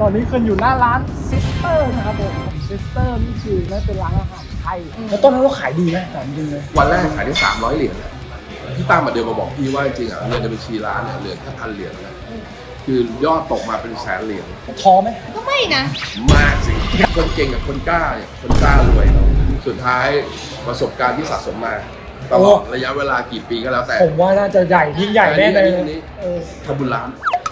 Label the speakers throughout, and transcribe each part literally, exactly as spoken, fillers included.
Speaker 1: ตอนนี้คุณอยู่หน้าร้านซิสเตอร์นะครับผมซิสเตอร์นี่คือนั่นเป็นร้านอาหารไทยแล้วต้นนั้นก็ขายดีไหมขายดีเลย
Speaker 2: วันแรกขายได้สามร้อยเหรียญพี่ตั้งมาเดินมาบอกพี่ว่าจริงอ่ะเงินในบัญชีร้านเนี่ยเหลือแค่พันเหรียญนะคือยอดตกมาเป็นแสนเหรียญ
Speaker 1: ท้อไหม
Speaker 3: ก็ไม่นะ
Speaker 2: มากสิคนเก่งกับคนกล้าเนี่ยคนกล้ารวยสุดท้ายประสบการณ์ที่สะสมมาตลอดระยะเวลากี่ปีก็แล้วแต่
Speaker 1: ผมว่าน่าจะใหญ่ยิ่งใหญ่แน่เลย
Speaker 2: ทำบุญร้าน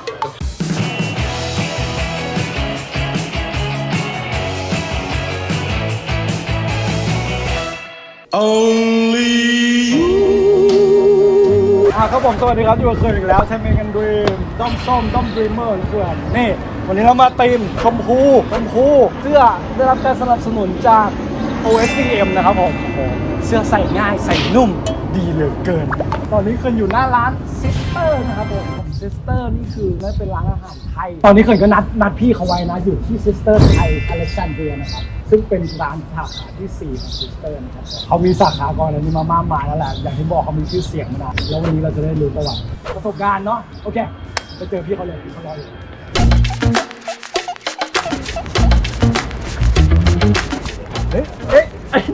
Speaker 1: Only you อ่ะครับผมสวัสดีครับอยู่กับเคนอีกแล้วใช่ไหมกันดรีมด้อมส้มด้อมดรีมเมอร์เพื่อนนี่วันนี้เรามาตีมชมพูชมพูเสื้อได้รับการสนับสนุนจาก โอ เอส ดี เอ็ม นะครับผมเสื้อใส่ง่ายใส่นุ่มดีเหลือเกินตอนนี้เคนอยู่หน้าร้านซิสเตอร์นะครับผมซิสเตอร์นี่คือนั่นเป็นร้านอาหารไทยตอนนี้เคนก็นัดนัดพี่เขาไว้นะอยู่ที่ซิสเตอร์ไทยอเล็กซานเดรียนะครับซึ่งเป็นร้านสาขาที่สี่ของซิสเตอร์นะครับเขามีสาขาก่อนอันนี้มามากมายแล้วแหละอย่างที่บอกเขามีชื่อเสียงมานานแล้ววันนี้เราจะได้รู้ประวัติประสบการณ์เนาะโอเคไปเจอพี่เขาเลยพี่เขารออยู่เฮ้ยเฮ้ยเฮ้ย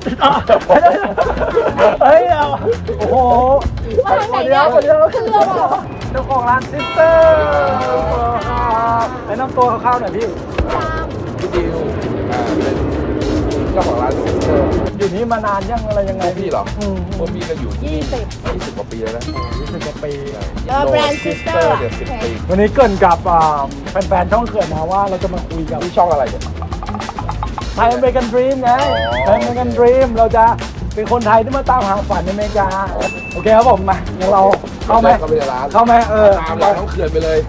Speaker 1: เอาโอ้โห
Speaker 3: มาทางไหนเนี่ยขึ้นเรือเหรอ
Speaker 1: เจ้าของร้านซิสเตอร์แนะนำตัวคร่าวๆหน่อยพี่
Speaker 2: พี่ดิวเป็นเจ้าของร้านซิสเตอร์
Speaker 1: อยู่นี่มานานยังอะไรยังไง
Speaker 2: พี่หรอพวกพี่ก็อยู่
Speaker 3: ยี่สิบ
Speaker 2: ยี่สิบกว่าปีแล้วนะ
Speaker 1: ยี่สิบกว่าปี
Speaker 3: เออแบรนด์ซิสเตอร์
Speaker 2: เดี๋ยวสิบปี
Speaker 1: วันนี้เกินกับแฟนๆช่องเขื่อนนะว่าเราจะมาคุยกับ
Speaker 2: ที่ช่องอะไรเนี่ย
Speaker 1: ไทยอเมริกันดรีมไงไทยอเมริกันดรีมเราจะเป็นคนไทยที่มาตามหาฝันในอเมริกาโอเคครับผมมางั้นเราเข้าไหม
Speaker 2: เข้าไปในร้าน
Speaker 1: เข้าไหมเออ
Speaker 2: ตามร้านทั้งเขื่อนไปเลย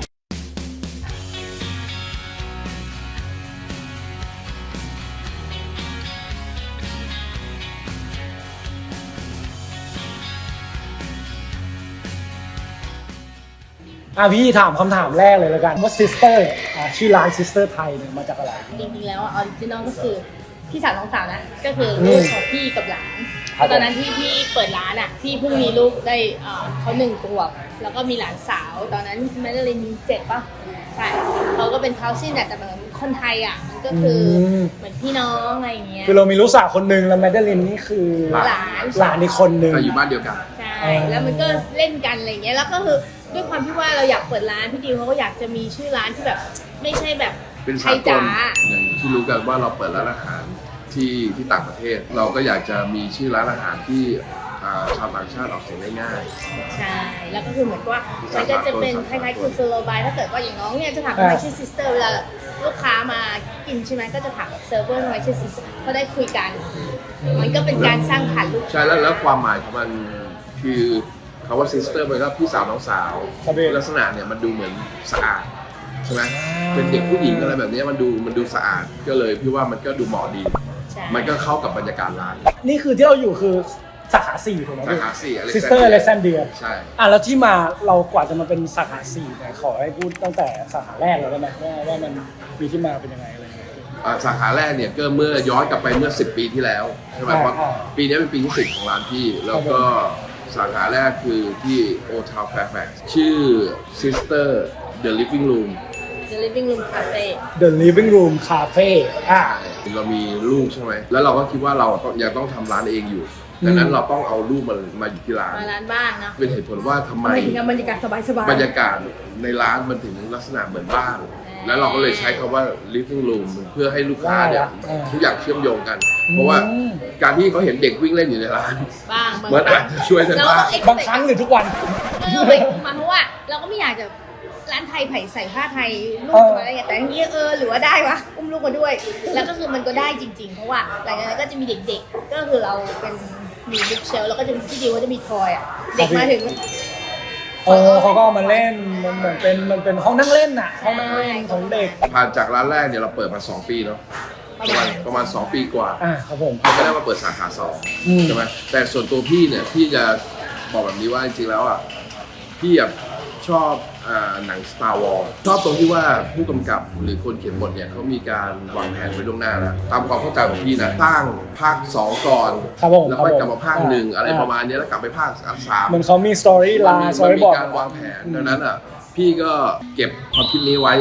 Speaker 1: อ่ะพี่ถามคำถามแรกเลยแล้วกันว่าซิสเตอร์ชื่อร้านซิสเตอร์ไทยเนี่ยมาจากอะไร
Speaker 3: จริงๆแล้วออริจินอลก็คือพี่สาวน้องสาวนะก็คือลูกของพี่กับหลานตอนนั้นที่พี่เปิดร้านอ่ะพี่เพิ่งมีลูกได้เขาหนึ่งขวบแล้วก็มีหลานสาวตอนนั้นแม่ได้เรียนเจ็ดป่ะใช่เขาก็เป็นเขาซิ่นแต่เหมือนคนไทยอ่ะมันก็คือเหมือนพี่น้องอะไรอย่างเงี้ย
Speaker 1: คือเรามีลูกสาวคนหนึ่งแล้วแมดเดลินนี่คือ
Speaker 3: หลาน
Speaker 1: หลานอีกคนหนึ่ง
Speaker 2: อยู่บ้านเดียวกัน
Speaker 3: ใช่แล้วมันก็เล่นกันอะไรเงี้ยแล้วก็คือด้วยความที่ว่าเราอยากเปิดร้านพี่ดิวเขาก็อยากจะมีชื่อร้านที่แบบไม่ใช่แบบ
Speaker 2: เป็นสากลอย่างที่รู้กันว่าเราเปิดร้านอาหารที่ที่ต่างประเทศเราก็อยากจะมีชื่อร้านอาหารที่ชาวต่างชาติออกเสียงได้ง่าย
Speaker 3: ใช่แล้วก็คือเหมือนว่ามันก็จะเป็นคล้ายๆคุณโซโลบายถ้าเกิดว่าอย่างน้องเนี่ยจะถามทำไมชื่อซิสเตอร์เวลาลูกค้ามากินใช่ไหมก็จะถามเซิร์ฟเวอร์ทำไมชื่อซิสเตอร์เขาได้คุยกันมันก็เป็นการสร้างฐานลูก
Speaker 2: ใช่แล้วแล้วความหมายของมันคือคำว่าซิสเตอร์มันก็พี่สาวน้องสาวลักษณะเนี่ยมันดูเหมือนสะอาดใช่ไหมเป็นเด็กผู้หญิงอะไรแบบนี้มันดูมันดูสะอาดก็เลยพี่ว่ามันก็ดูเหมาะดีมันก็เข้ากับบรรยากาศร้าน
Speaker 1: นี่คือที่เราอยู่คือสาขาสี่ถูกไหม
Speaker 2: สาขาสี่
Speaker 1: ซิสเตอร์อเล็กซานเดรีย
Speaker 2: ใช่
Speaker 1: อ่ะแล้วที่มาเรากว่าจะมาเป็นสาขาสี่เนี่ยขอให้พูดตั้งแต่สาขาแรกเลยได้ไหมว่าว่ามันมีที่มาเป็นยังไงอะไรเงี้ย
Speaker 2: สาขาแรกเนี่ยก็เมื่อย้อนกลับไปเมื่อสิบปีที่แล้วใช่ไหมเพราะปีนี้เป็นปีที่สิบของร้านพี่แล้วก็สาขาแรกคือที่โอทาวแฟร์แฟกซ์ชื่อ Sister The Living Room
Speaker 3: The Living Room Cafe
Speaker 1: The Living Room Cafe อ่ะ
Speaker 2: เรามีลูกใช่ไหมแล้วเราก็คิดว่าเรายังต้องทำร้านเองอยู่ดังนั้นเราต้องเอาลูกมามาอยู่ที่ร้าน
Speaker 3: มาร้านบ้างนะ
Speaker 2: เป็นเหตุผลว่าทำไม
Speaker 3: บรรยากาศสบายๆ
Speaker 2: บรรยากาศในร้านมันถึงลักษณะเหมือนบ้านแล้วเราก็เลยใช้คำว่า living room เพื่อให้ลูกค้าเนี่ยทุกอย่างเชื่อมโยงกันเพราะว่าการที่เขาเห็นเด็กวิ่งเล่นอยู่ในร้าน
Speaker 3: บ้าง
Speaker 2: มันอาจจะช่วยได้บ้าง
Speaker 1: บางครั้งหรือทุกวัน
Speaker 3: เราไปมาเพราะว่าเราก็ไม่อยากจะร้านไทยไผ่ใส่ผ้าไทยลูกมาอะไรอย่างแต่ทีนี้เออหรือว่าได้วะอุ้มลูกมาด้วยแล้วก็คือมันก็ได้จริงๆเพราะว่าหลังจากนั้นก็จะมีเด็กๆก็คือเราเป็นมีบุ๊กเชลแล้วก็จะมีพี่ดิวก็จะมีทอยอ่ะเด็กมาถึง
Speaker 1: เออเขาก็มาเล่นมันเหมือนเป็นมันเป็นห้องนั่งเล่นน่ะห้องนั่งเล่นของเด็ก
Speaker 2: ผ่านจากร้านแรกเนี่ยเราเปิดมาสองปีเนาะประมาณประมาณสองปีกว่า
Speaker 1: อ่าครับผม
Speaker 2: เราก็ได้มาเปิดสาขาสองใช่ไหมแต่ส่วนตัวพี่เนี่ยพี่จะบอกแบบนี้ว่าจริงๆแล้วอ่ะพี่แบบชอบหนัง Star Wars ชอบตรงที่ว่าผู้กำกับหรือคนเขียนบทเนี่ยเขามีการวางแผนไว้ล่วงหน้าแล้วตามความเข้าใจของพี่นะสร้างภาคสองก่อนแล้วค่อยกลับมาภาคหนึ่งอะไรประมาณนี้แล้วกลับไปภาคสาม
Speaker 1: เหมือนเขามีสตอรี่ไลน์สตอรี่บอร์ด
Speaker 2: มีการวางแผนดังนั้นอ่ะพี่ก็เก็บความคิดนี้ไว้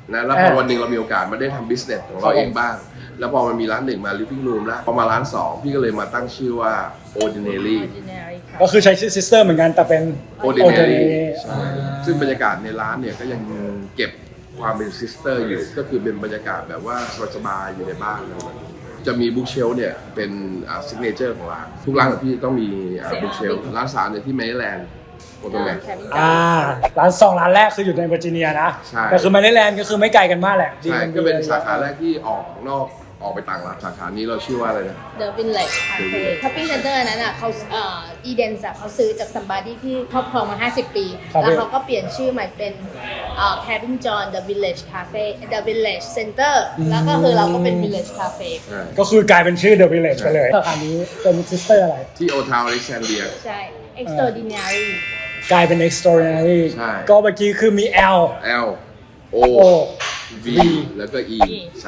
Speaker 2: นะแล้วพอวันหนึ่งเรามีโอกาสมาได้ทำบิสเนสของเราเองบ้างแล้วพอมันมีร้านหนึ่งมา living room แล้วพอมาร้านสองพี่ก็เลยมาตั้งชื่อว่า ordinary
Speaker 3: ordinary ค่ะ
Speaker 1: ก็คือใช้ชื่อ sister เหมือนกันแต่เป็น
Speaker 2: ordinary ใช่ซึ่งบรรยากาศในร้านเนี่ยก็ยังเก็บความเป็น sister อยู่ก็คือเป็นบรรยากาศแบบว่าสบายๆอยู่ในบ้านเลยจะมีบุ๊กเชลเนี่ยเป็นซิกเนเจอร์ของร้านทุกร้านของพี่ต้องมีบุ๊กเชลร้านสามเนี่ยที่เมริแลนด์โอโตแมก
Speaker 1: อ่าร้านสองร้านแรกคืออยู่ในเวอร์จิเนียนะ
Speaker 2: ใช่
Speaker 1: แต่คือแมริแลนด์ก็คือไม่ไกลกันมากแหละ
Speaker 2: ใช่ก็เป็นสาขาแรกที่ออกนอกออกไปต่างรัฐสาขานี้เราชื่อว่าอะไรนะ
Speaker 3: The Village Cafe Shopping Center นั้นอ่ะเขาเอ่ออีเดนส์เขาซื้อจาก somebody ที่ครอบครองมาห้าสิบปีแล้วเขาก็เปลี่ยนชื่อใหม่เป็นเอ่อ Cabin John The Village Cafe The Village Center แล้วก็คือเราก็เป็น Village Cafe
Speaker 2: ใช่
Speaker 1: ก็คือกลายเป็นชื่อ The Village ไปเลยสาขานี้เป็น sister อะไร
Speaker 2: ที่โอทาวอเล็กซานเดีย
Speaker 3: ใช่ Extraordinary
Speaker 1: กลายเป็น extraordinary
Speaker 2: ใช่
Speaker 1: ก็เมื่อกี้คือมี L
Speaker 2: L O
Speaker 1: O
Speaker 2: V แล้วก็ E ใช่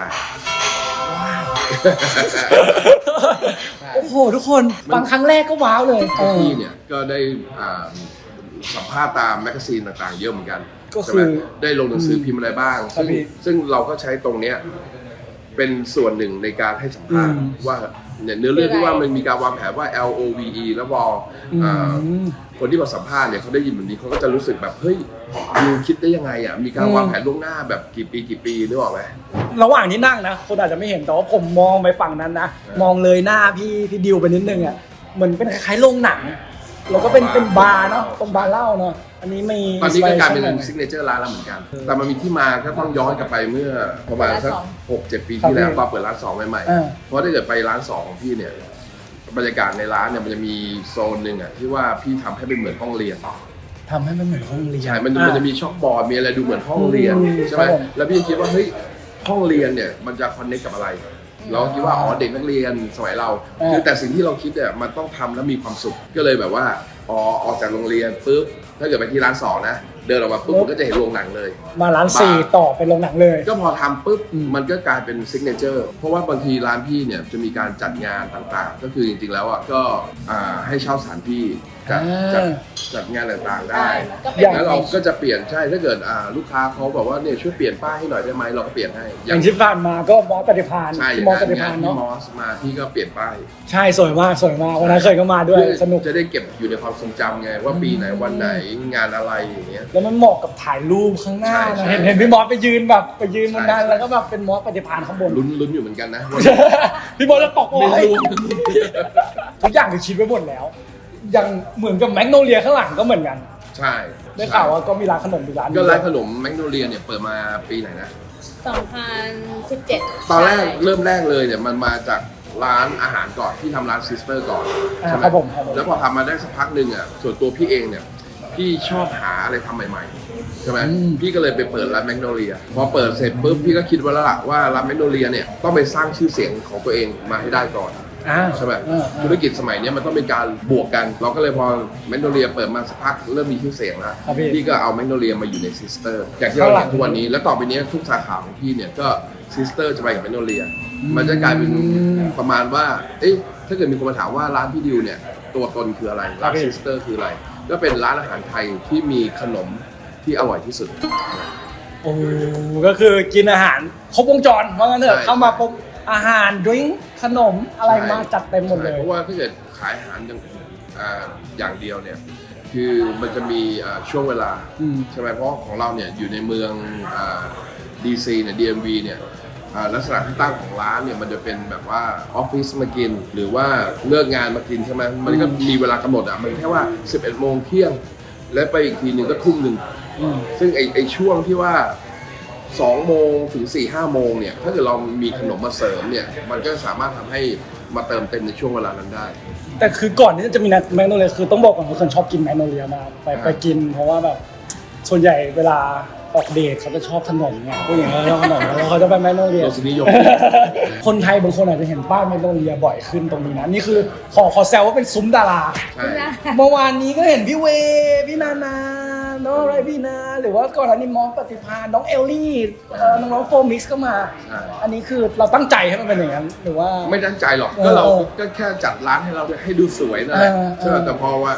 Speaker 1: โอ้โหทุกคนฟังครั้งแรกก็ว้าวเลย
Speaker 2: พี่เนี่ยก็ได้อ่าสัมภาษณ์ตามแมกกาซีนต่างๆเยอะเหมือนกัน
Speaker 1: ก็คือ
Speaker 2: ใช่ไหมได้ลงหนังสือพิมพ์อะไรบ้าง
Speaker 1: ครับ
Speaker 2: ซึ่ง
Speaker 1: พี่
Speaker 2: ซึ่งเราก็ใช้ตรงเนี้ยเป็นส่วนหนึ่งในการให้สัมภาษณ์
Speaker 1: อืม
Speaker 2: ว่าเนี่ยเนื้อเรื่องที่ว่ามันมีการวางแผนว่า L O V E แล้วพออ่า
Speaker 1: อืม
Speaker 2: คนที่มาสัมภาษณ์เนี่ยเขาได้ยินแบบนี้เขาก็จะรู้สึกแบบเฮ้ยยูคิดได้ยังไงอ่ะมีการวางแผนล่วงหน้าแบบกี่ปีกี่ปีนึกออกไหม
Speaker 1: ระหว่างที่นั่งนะคนอาจจะไม่เห็นแต่ว่าผมมองไปฝั่งนั้นนะ
Speaker 2: เออ
Speaker 1: มองเลยหน้าพี่พี่ดิวไปนิดนึงอ่ะเหมือนเป็นคล้ายๆโรงหนังแล้วก็เป็นเป็นบาร์เนาะตรงบาร์เหล้าเนาะอันนี้มี
Speaker 2: ตอนนี้ก็กลายเป็น
Speaker 1: inspiration
Speaker 2: ซิกเนเจอร์ร้านแล้วเหมือนกัน แต่มันมีที่มาก็ต้องย้อนกลับไปเมื่อประมาณสัก
Speaker 3: ร้านสอง
Speaker 2: หกเจ็ดปีที่แล้ว
Speaker 1: ครับ
Speaker 2: ตอนเปิดร้านสองใหม่
Speaker 1: เออ
Speaker 2: ๆเพราะถ้าเกิดไปร้านสองของพี่เนี่ยบรรยากาศในร้านเนี่ยมันจะมีโซนหนึ่งอ่ะที่ว่าพี่ทำให้เป็นเหมือนห้องเรียน
Speaker 1: ทำให้มันเหมือนห้องเรียน
Speaker 2: ใช่มันมันจะมีช็อกบอร์ดมีอะไรดูเหมือนห้องเรียน
Speaker 1: อืม
Speaker 2: ใช่ไหม
Speaker 1: ครับผม
Speaker 2: แล้วพี่คิดว่าเฮ้ยห้องเรียนเนี่ยมันจะคอนเนคกับอะไร เราก็คิดว่าอ๋อเด็กนักเรียนสมัยเรา
Speaker 1: อ่า
Speaker 2: คือแต่สิ่งที่เราคิดเนี่ยมันต้องทำแล้วมีความสุขก็เลยแบบว่าอ๋อออกจากโรงเรียนปุ๊บถ้าเกิดไปที่ร้านสองนะเดินออกมาปุ๊บมันก็จะเห็นโรงหนังเลย
Speaker 1: มาร้านสี่ต่อเป็นโรงหนังเลย
Speaker 2: ก็พอทำปุ๊บ
Speaker 1: อืม
Speaker 2: มันก็กลายเป็นซิกเนเจอร์เพราะว่าบางทีร้านพี่เนี่ยจะมีการจัดงานต่างๆ ก็คือจริงๆแล้วอ่ะก็อ่าให้เช่าสถานที่จัดจัดจัดงานต่างๆได้
Speaker 3: ก็เป็น
Speaker 2: แล้วเราก็จะเปลี่ยนใช่ถ้าเกิดอ่าลูกค้าเขาบอกว่าเนี่ยช่วยเปลี่ยนป้ายให้หน่อยได้ไหมเราก็เปลี่ยนให้
Speaker 1: อย่างที่ผ่านมาก็มอสปฏิพาน
Speaker 2: ใช่
Speaker 1: ที่มอสปฏิ
Speaker 2: งา
Speaker 1: พาน
Speaker 2: นที่
Speaker 1: เนาะ
Speaker 2: มอสมาพี่ก็เปลี่ยนป้าย
Speaker 1: ใช่สวยมากสวยมากวันนั้นเคยก็มาด้วย
Speaker 2: เพื่อ
Speaker 1: สนุก
Speaker 2: จะได้เก็บอยู่ในความทรงจำไงว่าปีไหนวันไหนงานอะไรอย่างเงี้ย
Speaker 1: แล้วมันเหมาะกับถ่ายรูปข้างหน้า
Speaker 2: ใช่
Speaker 1: นะ
Speaker 2: ใช่
Speaker 1: เห็นเห็นพี่มอสไปยืนแบบไปยืนบนนั้น
Speaker 2: ใช่
Speaker 1: แล้วก็แบบเป็นมอสปฏิพานข้างบน
Speaker 2: ลุ้นลุ้นอยู่เหมือนกันนะว่า
Speaker 1: พี่มอสจะตก
Speaker 2: ไม่
Speaker 1: ไว้
Speaker 2: รู้
Speaker 1: ทุกอย่างคือคิดไว้หมดแล้วอย่างเหมือนกับแมกโนเลียข้างหลังก็เหมือนกัน
Speaker 2: ใช่
Speaker 1: ได้ข่าวว่าก็มีร้านขนมอีกร้านหนึ่ง
Speaker 2: ก็ร้านขนมแมกโนเลียเนี่ยเปิดมาปีไหนนะ
Speaker 3: สองพันสิบเจ็ด
Speaker 2: ตอนแรกเริ่มแรกเลยเนี่ยมันมาจากร้านอาหารก่อนที่ทำร้านซิสเตอร์ก่อน
Speaker 1: อ่า
Speaker 2: ใช่ไหม
Speaker 1: ครับผมครับผม
Speaker 2: แล้วพอทำมาได้สักพักหนึ่งอ่ะส่วนตัวพี่เองเนี่ยพี่ชอบหาอะไรทำใหม่ๆใช่ไหมพี่ก็เลยไปเปิดร้านแมกโนเลียพอเปิดเสร็จปุ๊บพี่ก็คิดไว้แล้วล่ะว่าร้านแมกโนเลียเนี่ยต้องไปสร้างชื่อเสียงของตัวเองมาให้ได้ก่อน
Speaker 1: อ่า
Speaker 2: ใช่ไหม
Speaker 1: อ่า
Speaker 2: ธุรกิจสมัยเนี้ยมันต้องเป็นการบวกกัน เราก็เลยพอแมกโนเลียเปิดมาสักพักเริ่มมีชื่อเสียงแล้ว
Speaker 1: ครับพี่
Speaker 2: พี่ก็เอาแมกโนเลียมาอยู่ในซิสเตอร์อย่างที่เรา
Speaker 1: ข้างหลั
Speaker 2: เห็
Speaker 1: ง
Speaker 2: นทุกวันนี้แล้วต่อไปนี้ทุกสาขาของพี่เนี่ยก็ซิสเตอร์จะไปกับแมกโนเลียมันจะกลายเป็นประมาณว่าเอ๊ะถ้าเกิดมีคนมาถามว่าร้านพี่ดิวเนี่ยตัวตนคืออะไรร้านซิสเตอร์คืออะไรก็เป็นร้านอาหารไทยที่มีขนมที่อร่อยที่สุด
Speaker 1: โอ้ก็คือกินอาหารครบวงจรเพราะงั้นเถอะ
Speaker 2: ใช่
Speaker 1: เข้ามาปุ๊บอาหารดริงก์ขนมอะไรมาจัดเต็มหมดเลย
Speaker 2: ใช่เพราะว่าถ้าเกิดขายอาหารอย่างอ่าอย่างเดียวเนี่ยคือมันจะมีอ่าช่วงเวลา
Speaker 1: อืม
Speaker 2: ใช่ไหมเพราะของเราเนี่ยอยู่ในเมืองดีซีเนี่ย ดี เอ็ม วี เนี่ยอ่าลักษณะที่ตั้งของร้านเนี่ยมันจะเป็นแบบว่าออฟฟิศมากิน หรือว่าเลิกงานมากินใช่ไหมมันก็มีเวลากำหนดอ่ะมันแค่ว่าสิบเอ็ดโมงเที่ยงและไปอีกทีหนึ่งก็ทุ่มหนึ่ง
Speaker 1: อืม
Speaker 2: ซึ่งไอไอช่วงที่ว่าสองโมงถึงสี่ห้าโมงเนี่ยถ้าเกิดเรามีขนมมาเสริมเนี่ยมันก็สามารถทำให้มาเติมเต็มในช่วงเวลานั้นได้
Speaker 1: แต่คือก่อนที่จะมีนัดแมกโนเลียคือต้องบอกก่อนว่าคนชอบกินแมกโนเลียมากไป
Speaker 2: อ่า
Speaker 1: ไปกิน เพราะว่าแบบส่วนใหญ่เวลาออกเดทเขาจะชอบขนมไงผู้หญิงเขาชอบขนมแล้วเขาจะไปแมกโนเลีย
Speaker 2: รสนิยม
Speaker 1: คนไทยบางคนอาจจะเห็นป้ายแมกโนเลียบ่อยขึ้นตรงนี้นะนี่คือขอขอแซวว่าเป็นซุ้มดารา
Speaker 2: ใช่
Speaker 1: เมื่อวานนี้ก็เห็นพี่เวพี่นานาน้องอะไรพี่นาหรือว่าก่อนหน้านี้มอสปฏิภาณน้องเอลลี่เอ่อน้องๆโฟมิกซ์ก็มา
Speaker 2: ใช่
Speaker 1: อันนี้คือเราตั้งใจให้มันเป็นอย่างนั้นหรือว่า
Speaker 2: ไม่ตั้งใจหรอก
Speaker 1: เออ
Speaker 2: ก็เราก็แค่จัดร้านให้เราให้ดูสวยนะ
Speaker 1: เออ
Speaker 2: ใช่ไหม
Speaker 1: เออ
Speaker 2: แต่พอว่า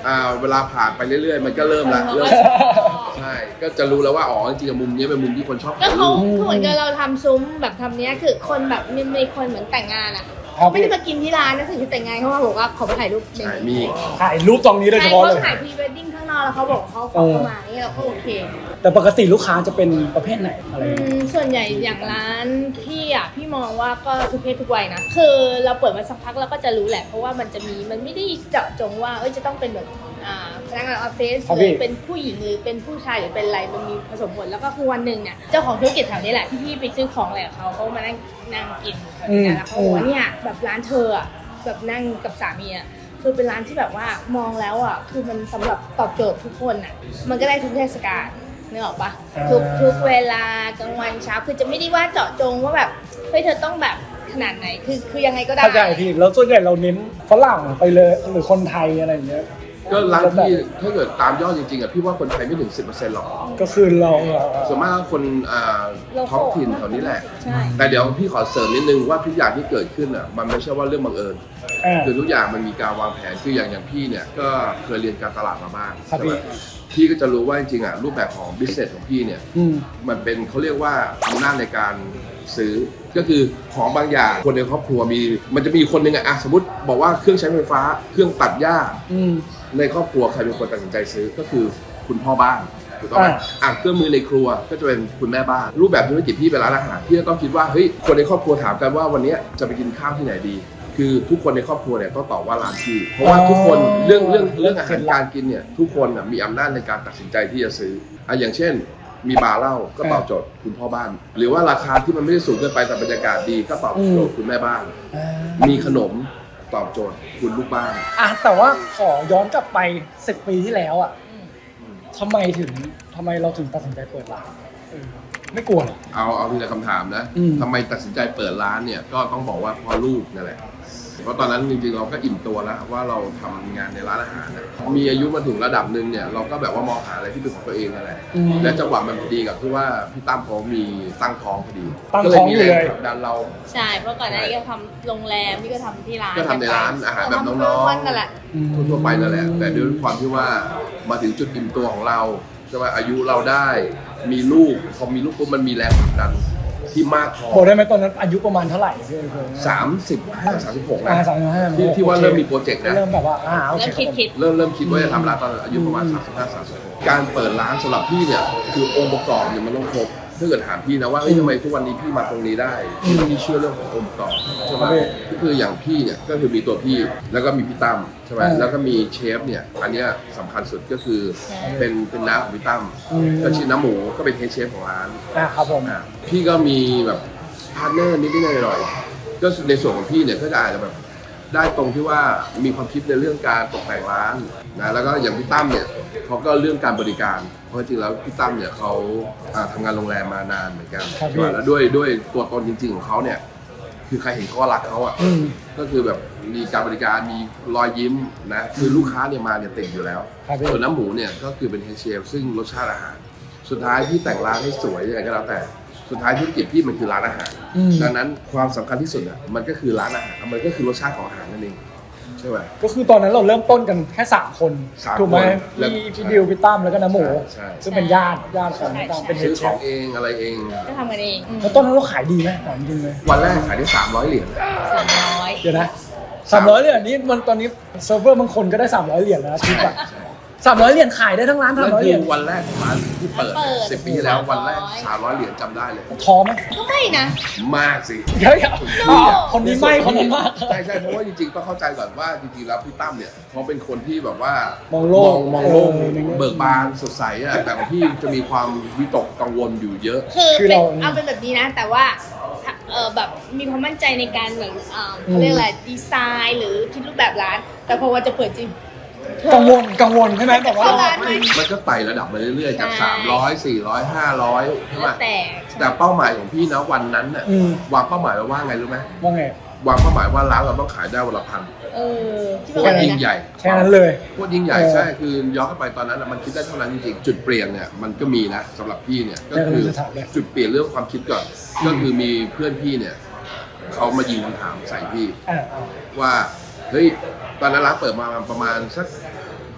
Speaker 2: อ่าเวลาผ่านไปเรื่อยๆ มันก็เริ่มละเริ่มใช่ก็จะรู้แล้วว่าอ๋อจริงๆมุมนี้เป็นมุมที่คนชอบ
Speaker 3: ก็
Speaker 2: ถ่าย
Speaker 3: เขา
Speaker 2: รูป
Speaker 3: คือเหมือนกับเราทำซุ้มแบบทำเนี้ยคือคนแบบมีมีคนเหมือนแต่งงานอ่ะ
Speaker 1: ครับ
Speaker 3: ไม่ได้มากินที่ร้านนะถึงจะแต่งงานเขามาบอกว่าขอมาถ่ายรูปใน
Speaker 2: ใช่
Speaker 3: นี้
Speaker 2: มี
Speaker 1: ถ่ายรูปตรงนี้โดยเฉ
Speaker 3: ใช่
Speaker 1: พาะ
Speaker 3: เขา
Speaker 1: เลย
Speaker 3: ถ่ายพรีเวดดิ้งข้างนอกแล้วเขาบอกเขาขอเข้ามานี่เราก็โอเค
Speaker 1: แต่ปกติลูกค้าจะเป็นประเภทไหนอะไร
Speaker 3: อื
Speaker 1: อย่างเงี้ย
Speaker 3: มส่วนใหญ่อย่างร้านพี่อ่ะพี่มองว่าก็ทุกเพศทุกวัยนะคือเราเปิดมาสักพักเราก็จะรู้แหละเพราะว่ามันจะมีมันไม่ได้เจาะจงว่าเอ้ยจะต้องเป็นแบบอ่าพนักงานออฟฟิศหรือเป็นผู้หญิงหรือเป็นผู้ชายหรือเป็นอะไรมันมีผสมผลแล้วก็คือวันหนึ่งเนี่ยเจ้าของธุรกิจแถวนี้แหละที่พี่ไปซื้อของอะไรกับเขาเขามานั่งนั่งกินแถวนี้นะแล้วเขาบอกว่าเนี่ยแบบร้านเธออ่ะแบบนั่งกับสามีอ่ะคือเป็นร้านที่แบบว่ามองแล้วอ่ะคือมันสำหรับตอบโจทย์ทุกคนอ่ะมันก็ได้ทุกเทศกาลนึกออกปะทุกทุกเวลากลางวันเช้าคือจะไม่ได้ว่าเจาะจงว่าแบบเฮ้ยเธอต้องแบบขนาดไหนคือคือยังไงก็ได้
Speaker 1: เข้าใจพี่แล้วส่วนใหญ่เราเน้นฝรั่งไปเลยหรือคนไทยอะไรอย่างเงี้ย
Speaker 2: ก็ร้านที่ถ้าเกิดตามยอดจริงๆอ่ะพี่ว่าคนไทยไม่ถึง สิบเปอร์เซ็นต์ หรอก
Speaker 1: ก็คือเราเอ่อ
Speaker 2: ส่วนมากคนอ่าท้องถิ่นแถวนี้แหละ
Speaker 3: ใช่
Speaker 2: แต่เดี๋ยวพี่ขอเสริมนิดนึงว่าทุกอย่างที่เกิดขึ้นอ่ะมันไม่ใช่ว่าเรื่องบังเอิญ
Speaker 1: อ่า
Speaker 2: คือทุกอย่างมันมีการวางแผนคืออย่างอย่างพี่เนี่ยก็เคยเรียนการตลาดมาบ้าง
Speaker 1: ครับ
Speaker 2: ใช่ไหม
Speaker 1: พี่
Speaker 2: พี่ก็จะรู้ว่าจริงๆอ่ะรูปแบบของ business ของพี่เนี่ย
Speaker 1: อืม
Speaker 2: มันเป็นเขาเรียกว่าอำนาจในการซื้อก็คือของบางอย่างคนในครอบครัวมีมันจะมีคนหนึ่งอะอ่ะสมมติบอกว่าเครื่องใช้ไฟฟ้าเครื่องตัดหญ้า
Speaker 1: อืม
Speaker 2: ในครอบครัวใครเป็นคนตัดสินใจซื้อก็คือคุณพ่อบ้านถูกต้องไหม
Speaker 1: อ่า
Speaker 2: อ่ะเครื่องมือในครัวก็จะเป็นคุณแม่บ้าน รูปแบบธุรกิจพี่เป็นร้านอาหารพี่ก็ต้องคิดว่าเฮ้ยคนในครอบครัวถามกันว่าวันนี้จะไปกินข้าวที่ไหนดี คือทุกคนในครอบครัวเนี่ยต้องตอบว่าร้านพี่เพราะว่าทุกคนเรื่องเรื่องเรื่องอาหารการกินเนี่ยทุกคนน่ะมีอำนาจในการตัดสินใจที่จะซื้ออ่ะอย่างเช่น มีบาร์เหล้าก็ตอบโจทย์คุณพ่อบ้าน หรือว่าราคาที่มันไม่ได้สูงเกินไปแต่บรรยากาศดีก็ตอบโจทย์คุณแม่บ้าน
Speaker 1: อ่า
Speaker 2: มีขนมตอบโจทย์คุณลูกบ้าน
Speaker 1: อ่ะแต่ว่าขอย้อนกลับไปสิบปีที่แล้วอ่ะทำไมถึงทำไมเราถึงตัดสินใจเปิดร้านเออไม่กลัวเหรอ
Speaker 2: เอาเอาทีละคำถามนะ
Speaker 1: อืม
Speaker 2: ทำไมตัดสินใจเปิดร้านเนี่ยก็ต้องบอกว่าเพราะลูกนั่นแหละเพราะตอนนั้นจริงๆเราก็อิ่มตัวแล้วว่าเราทำงานในร้านอาหารนะมีอายุมาถึงระดับหนึ่งเนี่ยเราก็แบบว่ามองหาอะไรที่เป็นของตัวเองนั่นแหละ
Speaker 1: อืม
Speaker 2: และจังหวะมันพอดีกับที่ว่าพี่ตั้มเขามีตั้งท้องพอดี
Speaker 1: ตั้ง
Speaker 2: ก็เล
Speaker 1: ท้
Speaker 2: ย
Speaker 1: อง
Speaker 2: มี
Speaker 1: อยู่
Speaker 2: แรง
Speaker 1: เลย
Speaker 2: ผลักดันเรา
Speaker 3: ใช่เพราะก่อนหน้านี้ก็ทำโรงแรมนี่ก็ทำที่ร้าน
Speaker 2: ก็ทำในร้านอาหารแบบน้องๆ
Speaker 3: ทำทุกวันนั่นแหละ
Speaker 2: ทั่วๆไปนั่นแหละ แต่ด้วยความที่ว่ามาถึงจุดอิ่มตัวของเราใช่ไหมอายุเราได้ มีลูกพอมีลูกปุ๊บมันมีแรงผลักดันที่มากพอ
Speaker 1: บอกได้ไหมตอนนั้นอายุประมาณเท่าไหร่พี่เอ
Speaker 2: สามสิบห้าสามสิบหก
Speaker 1: อ่า
Speaker 2: นะ
Speaker 1: สามสิบห้า
Speaker 2: ที่ที่ว่าเริ่มมีโปรเจกต์นะ
Speaker 1: เริ่มแบบว่าอ่าโอ
Speaker 3: แล้
Speaker 1: เคว
Speaker 3: คิดคิด
Speaker 2: เริ่มเริ่มคิดว่าจะทำร้านตอนอายุประมาณสามสิบห้า สามสิบหกการเปิดร้านสำหรับพี่เนี่ยคือองค์ประกอบเนี่ยมันต้องครบถ้าเกิดถามพี่นะว่าเฮ้ยทำไมทุกวันนี้พี่มาตรงนี้ได้พี่พี่เชื่อเรื่องขององค์ประกอบใช่ไหมก็คืออย่างพี่เนี่ยก็คือมีตัวพี่แล้วก็มีพี่ตั้มใช่ไหมแล้วก็มีเชฟเนี่ยอันเนี้ยสำคัญสุดก็คือเป็นเป็นน้าของพี่ตั้มก็ชื่อน้าหมูก็เป็นเฮดเชฟของร้าน
Speaker 1: อ่าครับผม
Speaker 2: อ่ะพี่ก็มีแบบพาร์ทเนอร์นิดๆหน่อยๆก็ในส่วนของพี่เนี่ยก็จะอาจจะแบบได้ตรงที่ว่ามีความคิดในเรื่องการตกแต่งร้านนะแล้วก็อย่างพี่ตั้มเนี่ยเขาก็เรื่องการบริการเพราะจริงๆแล้วพี่ตั้มเนี่ยเขาอ่าทำงานโรงแรมมานานเหมือนกัน
Speaker 1: ครับ
Speaker 2: ใช่ไหมแล้วด้วยด้วยตัวตนจริงๆของเขาเนี่ยคือใครเห็นเขาก็รักเขาอ่ะ
Speaker 1: อืม
Speaker 2: ก็คือแบบมีการบริการมีรอยยิ้มนะคือลูกค้าเนี่ยมาเนี่ยติดอยู่แล้ว
Speaker 1: ครับพี่
Speaker 2: ส่วนน้ำหมูเนี่ยก็คือเป็นเฮดเชฟซึ่งรสชาติอาหาร สุดท้ายพี่แต่งร้านให้สวยยังไงก็แล้วแต่สุดท้ายธุรกิจพี่มันคือร้านอาหาร
Speaker 1: อืม
Speaker 2: ดังนั้นความสำคัญที่สุดอ่ะมันก็คือร้านอาหารมันก็คือรสชาติของอาหารนั่นเองใช่ไหม
Speaker 1: ก็คือตอนนั้นเราเริ่มต้นกันแค่สามคน
Speaker 2: สาม
Speaker 1: ถูกไหม
Speaker 2: คนแล้ว
Speaker 1: พี่พี่ดิวพี่ตั้มแล้วก็น้าหมู
Speaker 2: ใช่
Speaker 1: ซึ่งเป็นญาติญาติของพี่ตั้มเป็นเฮ
Speaker 2: ซื้
Speaker 1: ด
Speaker 2: อ
Speaker 1: เช
Speaker 2: ของ
Speaker 1: ฟ
Speaker 2: เองอะไรเอง
Speaker 3: ก็ทำกันเองอืม
Speaker 1: แล้วต้นนั้นเราขายดีไหมถามจริงเลย
Speaker 2: วันแรกขายได้สามร้อยเหรียญ
Speaker 3: สามร้อย
Speaker 1: เดี๋ยวนะสามร้อยเหรียญนี้มันตอนนี้เซิร์ฟเวอร์บางคนก็ได้สามร้อยเหรียญแล้วทิปอะสามร้อยเหรียญขายได้ทั้งร้าน
Speaker 2: นั่
Speaker 1: สาม
Speaker 2: น
Speaker 1: ร้อยเห
Speaker 2: คื
Speaker 1: รีย
Speaker 2: อ
Speaker 1: ญ
Speaker 2: วันแรกของร้านที่เปิดสิบปีที่แล้ววันแรกสามร้อยเหรียญจำได้เลย
Speaker 1: ท้อไหม
Speaker 3: ก็ไม่นะ
Speaker 2: มากสิ
Speaker 1: เดี๋ยวๆอ๋อคนนี้ไม่คนนั้นมาก
Speaker 2: ใช่ใช่เพราะว่าจริงๆต้องเข้าใจก่อนว่าจริงๆแล้วพี่ตั้มเนี่ยเขาเป็นคนที่แบบว่าม
Speaker 1: องโลก
Speaker 2: มองโลก
Speaker 1: เออในแง่
Speaker 2: เบิกบานสดใสอะแต่ของพี่จะมีความวิตกกังวลอยู่เยอะ
Speaker 3: คือ
Speaker 1: คือ
Speaker 3: เป็น
Speaker 1: เรา
Speaker 3: เอาเป็นแบบนี้นะ แต่ว่าเออแบบมีความมั่นใจในการเหมือนเอ่อเขาเรียกอะไรดีไซน์หรือคิดรูปแบบร้าน แต่พอวันจะเปิดจริง
Speaker 1: กังวลกังวลใช่ไหมแบบว่า
Speaker 3: เข้าร้านไหม
Speaker 2: มันก็ไต่ระดับมาเรื่อยๆจาก
Speaker 3: ใช่
Speaker 2: สามร้อย สี่ร้อย ห้าร้อยใช่ไหม
Speaker 3: แล้วแต่
Speaker 2: แต่เป้าหมายของพี่นะวันนั้นน่ะ
Speaker 1: อืม
Speaker 2: วางเป้าหมายไว้ว่าไงรู้ไหม
Speaker 1: ว่าไง
Speaker 2: วางเป้าหมายว่าร้านเราต้องขายได้วันละพัน
Speaker 3: เออที่
Speaker 2: โค
Speaker 3: บอก
Speaker 2: ต
Speaker 3: อะ
Speaker 2: ร
Speaker 3: ไร
Speaker 2: ยิ่ง
Speaker 3: นะ
Speaker 2: ใหญ่
Speaker 1: แค่นั้นเลย
Speaker 2: โคตรยิ่งใหญ่
Speaker 1: เออ
Speaker 2: ใช่คือย้อนกลับไปตอนนั้นน่ะมันคิดได้เท่านั้นจริงๆจุดเปลี่ยนเนี่ยมันก็มีนะสำหรับพี่เนี่ยก็คือ
Speaker 1: ได้กำลังจะถามเลย
Speaker 2: จุดเปลี่ยนเรื่องความคิดก่อนก็คือมีเพื่อนพี่เนี่ยเขามายิงคำถามใส่พี่
Speaker 1: อ่าอ่า
Speaker 2: ว่าเฮ้ยตอนนั้นร้านเปิดมาประมาณสัก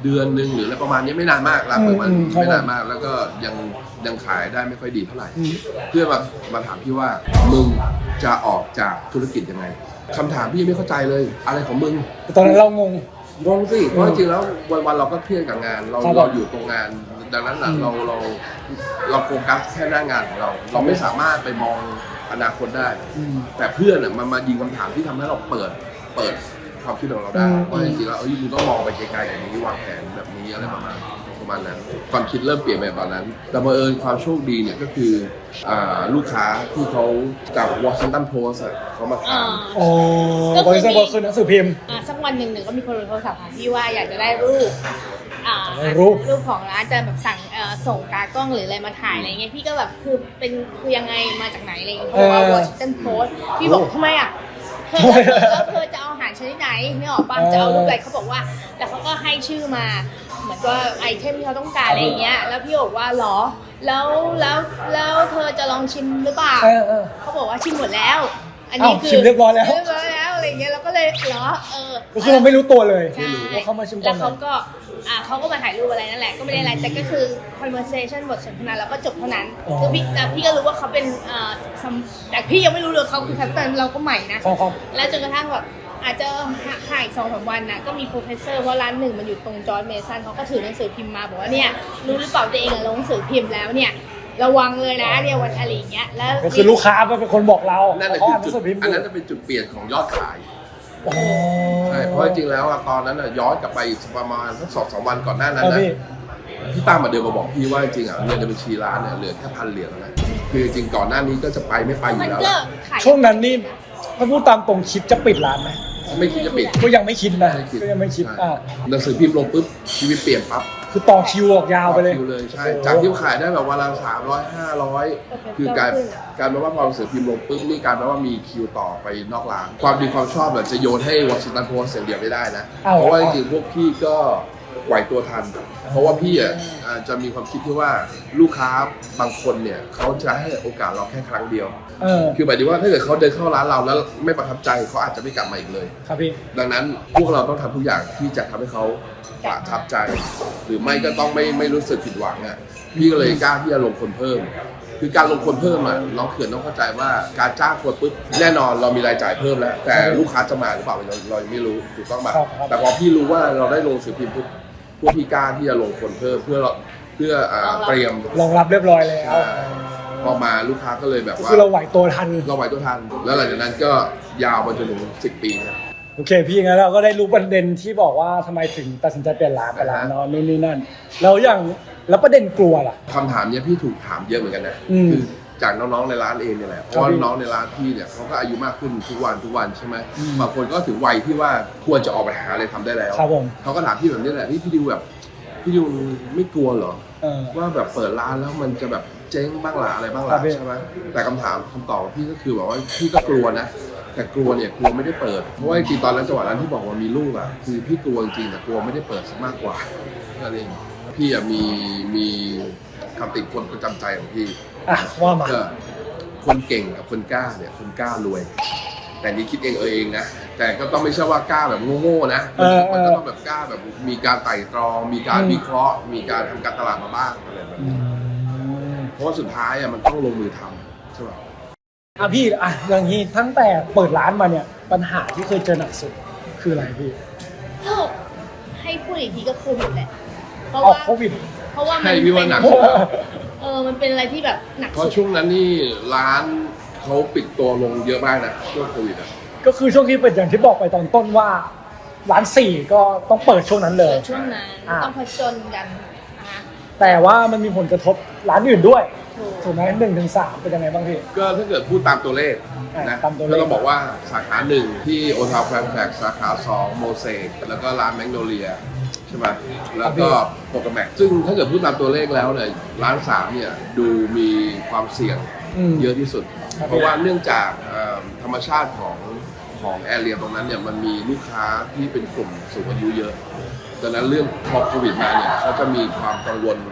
Speaker 2: เดือนหนึ่งหรืออะไรประมาณนี้ไม่นานมากร้านเปิดมา
Speaker 1: อืม
Speaker 2: ไม่นานมากแล้วก็ยังยังขายได้ไม่ค่อยดีเท่าไหร่
Speaker 1: อืม
Speaker 2: เพื่อนมามาถามพี่ว่ามึงจะออกจากธุรกิจยังไงคำถามพี่ไม่เข้าใจเลยอะไรของมึง
Speaker 1: ตอนนั้นเรางง
Speaker 2: งงสิเพราะจริงๆแล้ววันๆเราก็เครียดกับงาน เรา
Speaker 1: ครับ
Speaker 2: เราอยู่ตรงงาน ดังนั้นน่ะ
Speaker 1: อืม
Speaker 2: เราเราเราโฟกัสแค่หน้างานของเรา เราไม่สามารถไปมองอนาคตได้
Speaker 1: อืม
Speaker 2: แต่เพื่อนน่ะมันมายิงคำถามที่ทำให้เราเปิดเปิดความคิดของเราได้
Speaker 1: อืม
Speaker 2: ว่าจริงๆแล้วเอ้ยมึงต้องมองไปไกลๆอย่างนี้วางแผนแบบนี้อะไรประมาณประมาณนั้นความคิดเริ่มเปลี่ยนไปตอนนั้น แต่บังเอิญความโชคดีเนี่ยก็คืออ่าลูกค้าที่เขาจาก Washington Post อะเขามาถาม
Speaker 1: อ๋อบริษัทบอกคือหนังสือพิมพ์
Speaker 3: อ่าสักวันหนึ่งหนึ่งก็มีคนโทรศัพท์หาพี่ว่าอยากจะได้รูปอ่า
Speaker 1: ได้รูป
Speaker 3: รูปของร้านจะแบบสั่งเอ่อส่งตากล้องหรืออะไรมาถ่ายอะไรเงี้ยพี่ก็แบบคือเป็นคือยังไงมาจากไหนอะไรเงี้ยเพราะว่า Washington Post พี่บอกทำไมอ่ะเธอแล้วเธอจะเอาอาหารชนิดไหนไม่ออกป่ะจะเอารูปอะไรเขาบอกว่าแต่เขาก็ให้ชื่อมาเหมือนว่าไอเทมที่เขาต้องการอะไรเงี้ยแล้วพี่บอกว่าหรอแล้วแล้วแล้วเธอจะลองชิมหรือเปล่า
Speaker 1: เออเออ
Speaker 3: เขาบอกว่าชิมหมดแล้ว อันนี้
Speaker 1: อ้าว
Speaker 3: คือ
Speaker 1: ชิมเรียบร้อยแล้ว
Speaker 3: เรียบร้อยแล้วอะไรเงี้ยเราก็เลยเหรอเออ
Speaker 1: ก็คือเราไม่รู้ตัวเลย
Speaker 3: ใช่
Speaker 1: ว่าเขามาชิมตอ
Speaker 3: แล้
Speaker 1: น
Speaker 3: ว
Speaker 1: ไหน
Speaker 3: เขาก็อ่าเขาก็มาถ่ายรูปอะไรนั่นแหละก็ไม่ได้อะไรแต่ก็คือ conversation บทสนทนาแล้วก็จบเท่านั้น
Speaker 1: อ๋อ
Speaker 3: คือพี่แต่พี่ก็รู้ว่าเขาเป็นเอ่อ some แต่พี่ยังไม่รู้เลยเขาคือใครแต่เราก็ใหม่นะ
Speaker 1: เขาเขา
Speaker 3: แล้วจนกระทั่งแบบอาจจะห่างอีกสองสามวันนะก็มีโปรเฟสเซอร์เพราะร้านหนึ่งมันอยู่ตรงจอร์จเมสันเขาก็ถือหนังสือพิมพ์มาบอกว่าเนี่ยรู้หรือเปล่าตัวเองอะลงหนังสือพิมพ์แล้วเนี่ยระวังเลยนะเนี่ยวันอะไรอย่างเงี้ยแล้ว
Speaker 1: ก็คือลูกค้าเป็นคนบอกเรา
Speaker 2: นั่นแหละ
Speaker 1: เขา
Speaker 2: คือ
Speaker 1: อ่านหนั
Speaker 2: จุด
Speaker 1: งสือพิมพ์
Speaker 2: อันนั้น
Speaker 1: อยู่
Speaker 2: จะเป็นจุดเปลี่ยนของยอดขาย
Speaker 1: อ๋อ
Speaker 2: ใช่เพราะจริงๆแล้วอะตอนนั้นอะย้อนกลับไปอีกประมาณสักสองสามวันก่อนหน้านั้น
Speaker 1: ครับ
Speaker 2: นะ
Speaker 1: พี่
Speaker 2: พี่ตั้มมาเดินมาบอกพี่ว่าจริงๆอะเงินในบัญชีร้านเนี่ยเหลือแค่พันเหรียญแล้วนะคือจริงๆก่อนหน้านี้ก็จะไปไม่ไปอ
Speaker 3: มั
Speaker 2: ยู่
Speaker 3: น
Speaker 2: แล้ว
Speaker 3: ก็
Speaker 2: ล่ะ
Speaker 3: ขาย
Speaker 1: ช่วงนั้นนี่ถ้าพูดตามตรงคิดจะปิดร้านไหม
Speaker 2: ไม่คิดจะปิด
Speaker 1: ก็ยังไม่คิดนะ
Speaker 2: ไม่คิด
Speaker 1: ก็ยังไม่คิด
Speaker 2: ใช่
Speaker 1: อ่า
Speaker 2: หนังสือพิมพ์ลงปุ๊บชีวิตเปลี่ยนปั๊บ
Speaker 1: คือต่อคิวออกยาวไปเลย
Speaker 2: ต่อคิวเลยใช่จากที่ขายได้แบบวันละสามร้อยห้าร้อยคือการการแปลว่าพอหนังสือพิมพ์ลงปุ๊บนี่การแปลว่ามีคิวต่อไปนอกร้านความดีความชอบเนี่ยจะโยนให้ Washington Post อย่างเดียวไม่ได้นะ
Speaker 1: อ้าว
Speaker 2: เพราะว่าจริงๆพวกพี่ก็ไหวตัวทัน เพราะว่าพี่อ่ะอ่าจะมีความคิดที่ว่าลูกค้าบางคนเนี่ยเขาจะให้โอกาสเราแค่ครั้งเดียว
Speaker 1: เออ
Speaker 2: คือหมายถึงว่าถ้าเกิดเขาเดินเข้าร้านเราแล้วไม่ประทับใจเขาอาจจะไม่กลับมาอีกเลย
Speaker 1: ครับพี่
Speaker 2: ดังนั้นพวกเราต้องทำทุกอย่างที่จะทำให้เขาประทับใจ หรือไม่ก็ต้องไม่ไม่รู้สึกผิดหวังอ่ะพี่ก็เลยกล้าที่จะลงคนเพิ่ม คือการลงคนเพิ่มอ่ะน้องเขื่อนต้องเข้าใจว่าการจ้างคนปุ๊บแน่นอนเรามีรายจ่ายเพิ่มแล้ว แต่ลูกค้าจะมาหรือเปล่าเราเรายังไม่รู้ถูกต้องไหม
Speaker 1: ครับครับ
Speaker 2: แต่พอพี่รู้ว่าเราได้ลงสื่อพิมพ์ปุ๊บพวกพี่กล้าที่จะลงคนเพิ่มเพื่อเราเพื่ออ่าเตรียม
Speaker 1: รองรับเรียบร้อยแล้ว
Speaker 2: ใช่พอมาลูกค้าก็เลยแบบ
Speaker 1: ก็
Speaker 2: ว่า
Speaker 1: คือเราไหวตัวทัน
Speaker 2: เราไหวตัวทัน แล้วหลังจากนั้นก็ยาวมาจนถึงสิบปีเนี่ย
Speaker 1: โอเคพี่งั้นเราก็ได้รู้ประเด็นที่บอกว่าทำไมถึงตัดสินใจเปลี่ยนร้านไปร้านนอนนู่นนี่นั่นแล้วอย่างแล้วประเด็นกลัวล่ะ
Speaker 2: คำถามเนี้ยพี่ถูกถามเยอะเหมือนกันนะ
Speaker 1: อืม
Speaker 2: คือจากน้องๆในร้านเองเนี่ยแหละเพ
Speaker 1: ครับ
Speaker 2: ราะว่า
Speaker 1: พี่
Speaker 2: น้องในร้านพี่เนี่ยเขาก็อายุมากขึ้นทุกวันทุกวันใช่ไหม
Speaker 1: อืม
Speaker 2: บางคนก็ถึงวัยที่ว่าควรจะออกไปหาอะไรทำได้แล้ว
Speaker 1: ครับผม
Speaker 2: เขาก็ถามพี่แบบนี้แหละพี่พี่ดิวแบบพี่ดิวไม่กลัวเหรอ
Speaker 1: เออ
Speaker 2: ว่าแบบเปิดร้านแล้วมันจะแบบเจ๊งบ้างล่ะอะไรบ้าง
Speaker 1: ครั
Speaker 2: ล่ะ
Speaker 1: บพี่
Speaker 2: ใช่ไหมแต่คำถามคำตอบของพี่ก็คือแบบว่าพี่ก็กลัวนะแต่กลัวเนี่ยกลัวไม่ได้เปิดเพราะว่าจริงๆตอนนั้นจังหวะนั้นที่บอกว่ามีลูกอ่ะคือพี่กลัวจริงๆแต่กลัวไม่ได้เปิดซะมากกว่านั่นเองพี่อะมีมีคำติคนประจำใจของพี่
Speaker 1: อ่ะว่ามา
Speaker 2: ก็คนเก่งกับคนกล้าเนี่ยคนกล้ารวย แต่นี่คิดเองเออเองนะแต่ก็ต้องไม่ใช่ว่ากล้าแบบโง่ๆนะ
Speaker 1: เออ
Speaker 2: มันก็ต้องแบบกล้าแบบมีการไต่ตรอง มีการ
Speaker 1: อืม
Speaker 2: วิเคราะห์ มีการทำการตลาดมาบ้างอะไรแบบ
Speaker 1: อื
Speaker 2: นี้
Speaker 1: ม
Speaker 2: เพราะว่าสุดท้ายอ่ะมันต้องลงมือทำใช่ป่ะ
Speaker 1: อ่ะพี่อ่ะอย่างนี้ตั้งแต่เปิดร้านมาเนี่ยปัญหาที่เคยเจอหนักสุดคืออะไรพี่
Speaker 3: ก็ให้พูดอีกทีก็โควิดแหละเพราะ
Speaker 1: เอา
Speaker 3: ว่า
Speaker 1: โควิด
Speaker 3: เพราะว่ามั
Speaker 2: ให้
Speaker 3: น
Speaker 2: พี่ว่าหนัก
Speaker 3: เป็
Speaker 2: สุดแล้ว
Speaker 3: เออมันเป็นอะไรที่แบบหนัก
Speaker 2: เพราะ
Speaker 3: สุด
Speaker 2: ช่วงนั้นนี่ร้านเขาปิดตัวลงเยอะมากนะช่วงโควิดอ่ะ
Speaker 1: ก็คือช่วงที่เปิดอย่างที่บอกไปตอนต้นว่าร้านสี่ก็ต้องเปิดช่วงนั้นเลย
Speaker 3: เกิดช่วงนั้น
Speaker 1: อ่า
Speaker 3: ต้องผจญกันนะคะ
Speaker 1: แต่ว่ามันมีผลกระทบร้านอื่นด้วย
Speaker 3: ถูก
Speaker 1: ถูกไหมหนึ่งถึงสามเป็นยังไงบ้างพี่
Speaker 2: ก็ถ้าเกิดพูดตามตัวเลข
Speaker 1: อ่ะ
Speaker 2: นะ
Speaker 1: ตามตัวเลข
Speaker 2: ก็ต้องบอกว่าสาขาหนึ่งที่โอทาวแฟนแฟกสาขาสองโมเสกแล้วก็ร้านแมกโนเลียใช่ไหมแล้วก็โปรแกรมแมกซึ่งถ้าเกิดพูดตามตัวเลขแล้วเนี่ยร้านสามเนี่ยดูมีความเสี่ยง
Speaker 1: อืม
Speaker 2: เยอะที่สุด
Speaker 1: ครับ
Speaker 2: เพราะว่าเนื่องจากเอ่อธรรมชาติของของแอเรียตรงนั้นเนี่ยมันมีลูกค้าที่เป็นกลุ่มสูงอายุเยอะดังนั้นเรื่องพอโควิดมาเนี่ยเขาจะมีความกังวล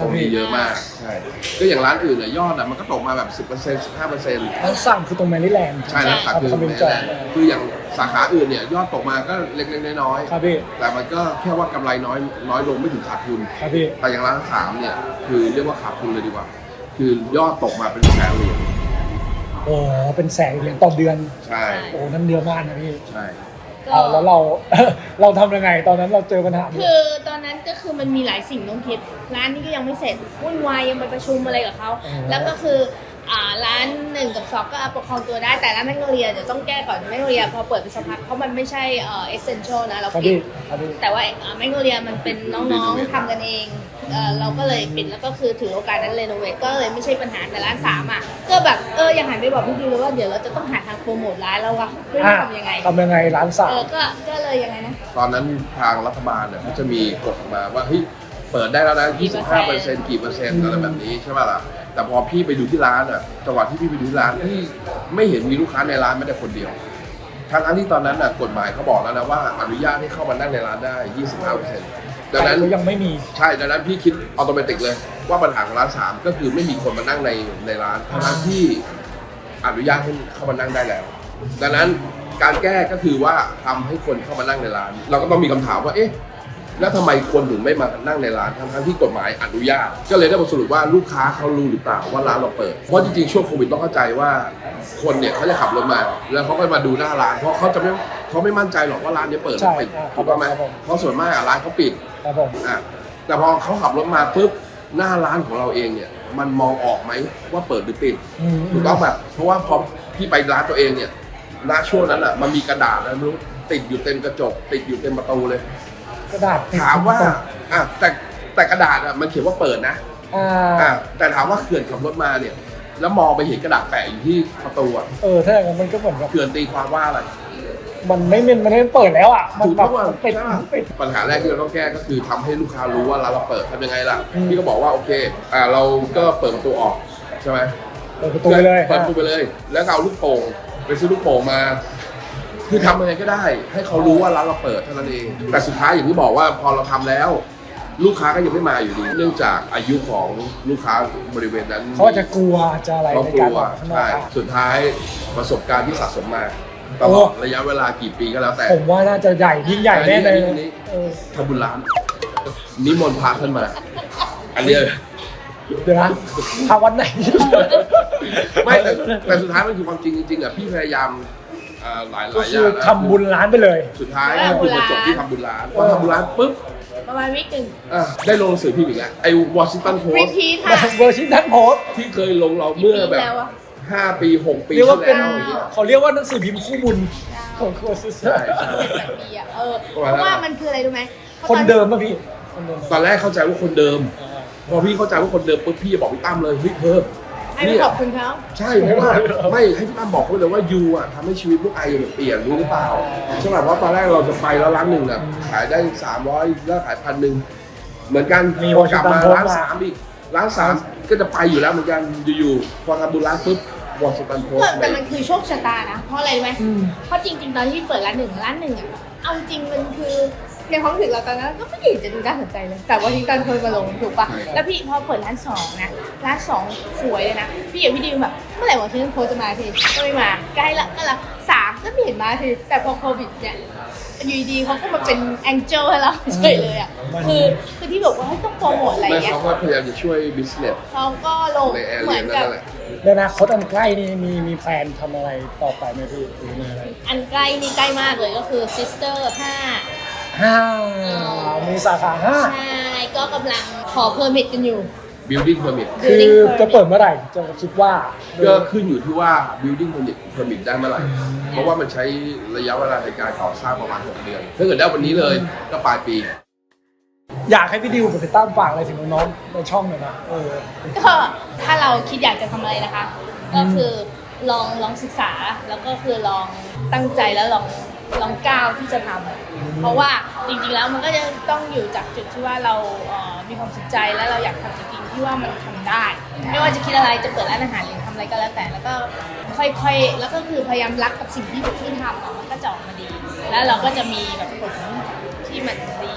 Speaker 2: ตรงนี้เยอะมากใช่ก็อย่างร้านอื่นเนี่ยยอดอ่ะมันก็ตกมาแบบ สิบเปอร์เซ็นต์ สิบห้าเปอร์เซ็นต์
Speaker 1: ร้านสั่งคือตรงแมรี่แลนด์
Speaker 2: ใช่แล้วค่ะคือ
Speaker 1: คอมเมนต์จอด
Speaker 2: คืออย่างสาขาอื่นเนี่ยยอดตกมาก็เล็กๆน้อย
Speaker 1: ครับพี่
Speaker 2: ๆแต่มันก็แค่ว่ากำไรน้อยน้อยลงไม่ถึงขาดทุน
Speaker 1: ครับพี่
Speaker 2: แต่อย่างร้านสามเนี่ยคือเรียกว่าขาดทุนเลยดีกว่า คือยอดตกมาเป็นแสนเหรียญ
Speaker 1: โอ้เป็นแสนเหรียญต่อเดือน
Speaker 2: ใช่
Speaker 1: โอ้นั่นเยอะมากนะพี่
Speaker 2: ใช่
Speaker 1: เอาแล้วเรา เราทำยังไงตอนนั้นเราเจอปัญหานี้
Speaker 3: คือตอนนั้นก็คือมันมีหลายสิ่งต้องคิดร้านนี้ก็ยังไม่เสร็จวุ่นวายยังไปประชุมอะไรกับเขา
Speaker 1: อืม
Speaker 3: แล้วก็คืออ่าร้านหนึ่งกับสองก็ประคองตัวได้แต่ร้านแมกโนเลียเดี๋ยวต้องแก้ก่อนแมกโนเลียพอเปิดไปสักพักเพราะมันไม่ใช่เอ่อเอเซนเชียลนะเรา
Speaker 1: ครับ
Speaker 3: ปิ
Speaker 1: พี่
Speaker 3: ด
Speaker 1: ครับพี่
Speaker 3: แต่ว่าแมกโนเลียมันเป็นน้องๆทำกันเองเอ่อเราก็เลยปิดแล้วก็คือถือโอกาสนั้นเรโนเวทก็เลยไม่ใช่ปัญหาแต่ร้านสามอ่ะก็แบบเออยังหันไปบอกพี่ดิวเลยว่าเดี๋ยวเราจะต้องหาทางโปรโมทร้านแล้วว่ะไม่รู้
Speaker 1: อ่ะ
Speaker 3: ทำยังไง
Speaker 1: ทำยังไงร้านสา
Speaker 3: เอ
Speaker 1: ม
Speaker 3: อก็ก็เลยยังไงนะ
Speaker 2: ตอนนั้นทางรัฐบาลเนี่ยเขาจะมีกฎมาว่าเฮ้ยเปิดได้แล้วนะ ยี่สิบห้าเปอร์เซ็นต์ กี่เปอร์เซ็นต์อะไรแบบนี้ใช่ป่ะล่ะแต่พอพี่ไปดูที่ร้านอ่ะจังหวะที่พี่ไปดูที่ร้านพี่ไม่เห็นมีลูกค้าในร้านแม้แต่คนเดียวทั้งที่ตอนนั้นน่ะกฎหมายเขาบอกแล้วนะว่าอนุญาตให้เข้ามานั่งในร้านได้ ยี่สิบห้าเปอร์เซ็นต์ ดังนั้น
Speaker 1: ก็ยังไม่มี
Speaker 2: ใช่ดังนั้นพี่คิดออโตเมติกเลยว่าปัญหาของร้านสามก็คือไม่มีคนมานั่งในในร้านทั้งที่อนุญาตให้เข้ามานั่งได้แล้ว ดังนั้นการแก้ก็คือว่าทำให้คนเข้ามานั่งในร้าน เราก็ต้องมีคำถามว่าเอ๊ะแล้วทำไมคนถึงไม่มานั่งในร้านทั้งๆที่กฎหมายอนุญาต ก็เลยได้บทสรุปว่าลูกค้าเขารู้หรือเปล่าว่าร้านเราเปิดเพราะจริงๆช่วงโควิดต้องเข้าใจว่าคนเนี่ยเขาจะขับรถมาแล้วเขาก็มาดูหน้าร้านเพราะเขาจะไม่เขาไม่มั่นใจหรอกว่าร้านเนี้เปิดหรือปิด
Speaker 1: ใช่
Speaker 2: ถูกต้องไหม
Speaker 1: ครับผม
Speaker 2: เพราะส่วนมากอะร้านเขาปิด
Speaker 1: ครับผม
Speaker 2: อ่ะแต่พอเขาขับรถมาปุ๊บหน้าร้านของเราเองเนี่ยมันมองออกไหมว่าเปิดหรือปิด
Speaker 1: อืม
Speaker 2: ถูกต้องแบบเพราะว่าพอพี่ไปร้านตัวเองเนี่ยณช่วงนั้นอ่ะมันมีกระดาษนะไม่รู้ติดอยู่เต็มกระจก ติดอยู่เต็มประตูเลย
Speaker 1: กระดาษติด
Speaker 2: ถามว่าอ่ะแต่แต่กระดาษอ่ะมันเขียนว่าเปิดนะ
Speaker 1: อ่า
Speaker 2: อ่ะแต่ถามว่าเขื่อนขับรถมาเนี่ยแล้วมองไปเห็นกระดาษแปะอยู่ที่ประตูอ่ะ
Speaker 1: เออถ้าอย่างนั้นมันก็เหมือนกับ
Speaker 2: เขื่อนตีความว่าอะไร
Speaker 1: มันไม่เป็นมันไม่เปิดแล้วอ่ะมัน
Speaker 2: ถูก
Speaker 1: แบ
Speaker 2: ต้
Speaker 1: บ
Speaker 2: องว่า
Speaker 1: มันปิด
Speaker 2: ใช่ปะ
Speaker 1: ปิด
Speaker 2: ปัญหาแรกที่เราต้องแก้ก็คือทำให้ลูกค้ารู้ว่าร้านเราเปิดทำยังไงล่ะ
Speaker 1: อืม
Speaker 2: พี่ก็บอกว่าโอเคอ่าเราก็เปิดประตูออกใช่ไหม
Speaker 1: เปิดประตูไปเลย
Speaker 2: เปิดประตูไปเลย แล้วก็เอาลูกโป่งไปซื้อลูกโป่งมา คือทำยังไงก็ได้ ให้เขารู้ว่าร้านเราเปิดเท่านั้นเอง แต่สุดท้ายอย่างที่บอกว่าพอเราทำแล้ว ลูกค้าก็ยังไม่มาอยู่ดี เนื่องจากอายุของลูกค้าบริเวณนั้น
Speaker 1: เขาอาจจะกลัวจะอะไร
Speaker 2: เขา
Speaker 1: ใน
Speaker 2: ก
Speaker 1: การ
Speaker 2: ลัว
Speaker 1: ออกข้างนอก
Speaker 2: ใช่
Speaker 1: อะ
Speaker 2: สุดท้ายประสบการณ์ที่สะสมมาตลอดระยะเวลากี่ปีก็แล้วแต่
Speaker 1: ผมว่าน่าจะใหญ่ยิ่งใหญ่แน่เลย
Speaker 2: อันนี้
Speaker 1: เออ
Speaker 2: ทำบุญร้านนิมนต์พระท่านมา อันเนี้ย
Speaker 1: เดี๋ยวนะทำวันไหน
Speaker 2: ไม่แต่แต่สุดท้ายมันคือความจริงจริงๆอ่ะพี่พยายามอ่าหลายห
Speaker 1: ก็
Speaker 2: ลายอ
Speaker 1: คื
Speaker 2: ย่า
Speaker 1: อง
Speaker 2: นะ
Speaker 1: ทำบุญร้านไปเลย
Speaker 2: สุดท้ายก็คือมาจบที่ทำบุญร้านพอทำบุญร้านปุ๊บ
Speaker 3: ประมาณวิกหนึ่ง
Speaker 2: อ่ะได้ลงหนังสือพิมพ์อีกแล้วไอ้วอชิงตันโพ
Speaker 3: รี
Speaker 2: สต์
Speaker 3: พีทค่ะ
Speaker 1: เวอร์ชินทันโพสต์
Speaker 2: ที่เคยลงเราเมื่อแบบ
Speaker 3: แล้วอะ
Speaker 2: ห้าปีหกปี
Speaker 1: เรียกว่า
Speaker 2: ที่
Speaker 1: เป็น
Speaker 2: แล้วอย่างเงี้ย
Speaker 1: เขาเรียกว่าหนังสือพิมพ์คู่บุญของโคซิส
Speaker 2: ใช่ใช่
Speaker 3: แบบดีอ่ะเออ
Speaker 2: ประมาณนั้น
Speaker 3: เพราะว่ามันคืออะไรรู้ไหม
Speaker 1: คนเดิมป่ะพี่คนเดิม
Speaker 2: ตอนแรกเข้าใจว่าคนเดิม พอพี่เข้าใจว่าคนเดิมปุ๊บพี่บอกพี่ตั้มเลยเฮ้ยเธอ
Speaker 3: ให้ไปขอบคุณเขา
Speaker 2: ใช่เพราะว่าไม่ให้พี่ตั้มบอกเขาเลยว่ายูอ่ะทำให้ชีวิตพวกไอเนี่ยเปลี่ยนรู้หรือเปล่าใช่ไหมว่าตอนแรกเราจะไปแล้วร้านหนึ่งอ่ะขายได้สามร้อยแล้วขายพันหนึ่งเหมือนกัน
Speaker 1: มี
Speaker 2: พอกลับมา
Speaker 1: Washington Post
Speaker 2: ร้านสามอีกร้านสามก็จะไปอยู่แล้วเหมือนกันอยู่ๆพอทำบุญร้านปุ๊บวอชิงตันโพสต์
Speaker 3: แต่มันคือโชคชะตานะ เพราะอะไรรู้ไหม
Speaker 1: อืม
Speaker 3: เพราะจริงๆ ตอนที่เปิดร้านหนึ่งร้านหนึ่งอ่ะ เอาจริงมันคือในความรู้สึกเราตอนนั้นก็ไม่ได้จะดูน่าสนใจเลย แต่ว่าที่ตอนคนมาลงถูกปะแล้วพี่พอเปิดร้านสองนะ ร้านสองสวยเลยนะ พี่กับพี่ดิวแบบเมื่อไหร่วอชิงตันโพสต์จะมาทีก็ไม่มาใกล้ละก็ละสามก็ไม่เห็นมาทีแต่พอโควิดเนี่ยอยู่ดีๆเขาก็มาเป็นแองเจิลให้เราเฉยเลยอ่ะ คือคือที่บอกว่าให้ต้องโปรโมทอะไร
Speaker 2: ไม่
Speaker 3: เงี้ย
Speaker 2: เขาก็พยายามจะช่วยบิสเนส
Speaker 3: เขาก็ลง
Speaker 2: ในแอ
Speaker 3: เหมื
Speaker 2: เรี
Speaker 3: อย น
Speaker 2: นั่
Speaker 3: กับ
Speaker 2: นแหละ
Speaker 1: ในอนาคตอันใกล้นี่มีมีแพลนทำอะไรต่อไปไหมพี่หรือมีอะไร
Speaker 3: อันใกล้นี่ใกล้มากเลยก็คือ Sister ห้า
Speaker 1: ห้ามีสาขาห้า
Speaker 3: ใช่ ก็กำลังขอเพอร์มิทกันอยู่
Speaker 2: building permit
Speaker 1: คือจะเปิดเมื่อไหร่จะคิดว่า
Speaker 2: ก็ขึ้นอยู่ที่ว่า building permit permit ได้เมื่อไหร่ เพราะว่ามันใช้ระยะเวลาในการก่อสร้างประมาณหกเดือน ถ้าเกิดได้วันนี้เลยก็ปลายปี
Speaker 1: อยากให้พี่ดิวกับพี่ตั้มฝากอะไรถึงน้องๆในช่องหน่อยนะเออ
Speaker 3: ก็ถ้าเราคิดอยากจะทำอะไรนะคะ ก็คือลองลองศึกษาแล้วก็คือลองตั้งใจแล้วลองลองก้าวที่จะทำเพราะว่าจริงๆแล้วมันก็จะต้องอยู่จากจุดที่ว่าเราเอ่อมีความสนใจแล้วเราอยากทำจริงๆที่ว่ามันทำได้ ไม่ว่าจะคิดอะไรจะเปิดร้านอาหารหรือทำอะไรก็แล้วแต่แล้วก็ค่อยๆแล้วก็คือพยายามรักกับสิ่งที่ที่ทำอะมันก็จะออกมาดี แล้วเราก็จะมีแบบผลที่มันดีอะ
Speaker 1: ค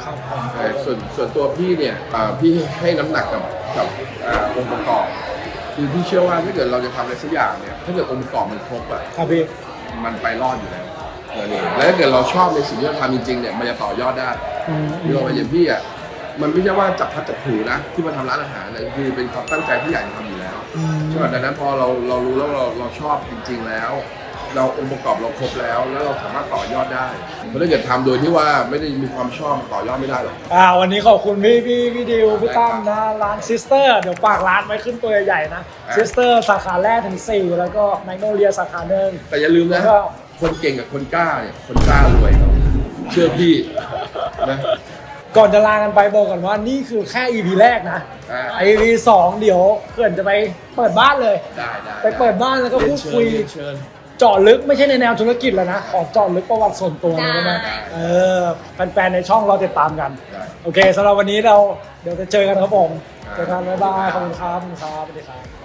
Speaker 1: ครับผม
Speaker 2: แต่ส่วนส่วนตัวพี่เนี่ยอ่าพี่ให้น้ำหนักกับกับอ่าองค์ประกอบคือพี่เชื่อว่าถ้าเกิดเราจะทำอะไรสักอย่างเนี่ยถ้าเกิดองค์ประกอบมันครบอะ
Speaker 1: ครับพี่
Speaker 2: มันไปรอดอยู่แล้วเออนี่แล้วถ้าเกิดเราชอบในสิ่งที่เราทำจริงๆเนี่ยมันจะต่อยอดได้
Speaker 1: อืม
Speaker 2: คือเราไปอย่างพี่อ่ะมันไม่ใช่ว่าจับพัดจับผูนะที่มาทำร้านอาหารเนี่ยคือเป็นความตั้งใจที่อยากจะทำอยู่แล้วใช่ไหมดังนั้นพอเราเรารู้แล้วเราเราชอบจริง ๆแล้ว เราองค์ประกอบเราครบแล้วแล้วเราสามารถต่อยอดได้เพราะถ้าเกิดทำโดยที่ว่าไม่ได้มีความชอบต่อยอดไม่ได้หรอก
Speaker 1: อ่าวันนี้ขอบคุณพี่พี่พี่ดิวพี่ตั้มนะร้านซิสเตอร์เดี๋ยวฝากร้านไว้ขึ้นตัวใหญ่ๆนะซิสเตอร์สาขาแรกถึงสี่แล้วก็แมกโนเลียสาขาหนึ่ง
Speaker 2: แต่อย่าลืม
Speaker 1: แล้
Speaker 2: นะ
Speaker 1: วก็
Speaker 2: คนเก่งกับคนกล้าเนี่ยคนกล้ารวยเชื่อพี่นะ
Speaker 1: ก่อนจะลากันไปบอกก่อนว่านี่คือแค่ อี พี แรกนะ
Speaker 2: อ่า
Speaker 1: อี พี สองเดี๋ยวเขื่อนจะไปเปิดบ้านเลย
Speaker 2: ได้ได้
Speaker 1: ไปเปิดบ้านแล้วก็พูดคุย
Speaker 2: เรีนเชิญ
Speaker 1: เจาะลึกไม่ใช่ในแนวธุรกิจแล้วนะ ขอเจาะลึกประวัติส่วนตัวเลยนะ
Speaker 3: ได้
Speaker 1: เออแฟนๆในช่องเราติดตามกัน
Speaker 2: ได้
Speaker 1: โอเคสำหรับวันนี้เราเดี๋ยวจะเจอกันครับผม
Speaker 2: ครับ
Speaker 1: เจอกันบ๊ายบายขอบคุณครับขอบคุณครับสวัสดีครับ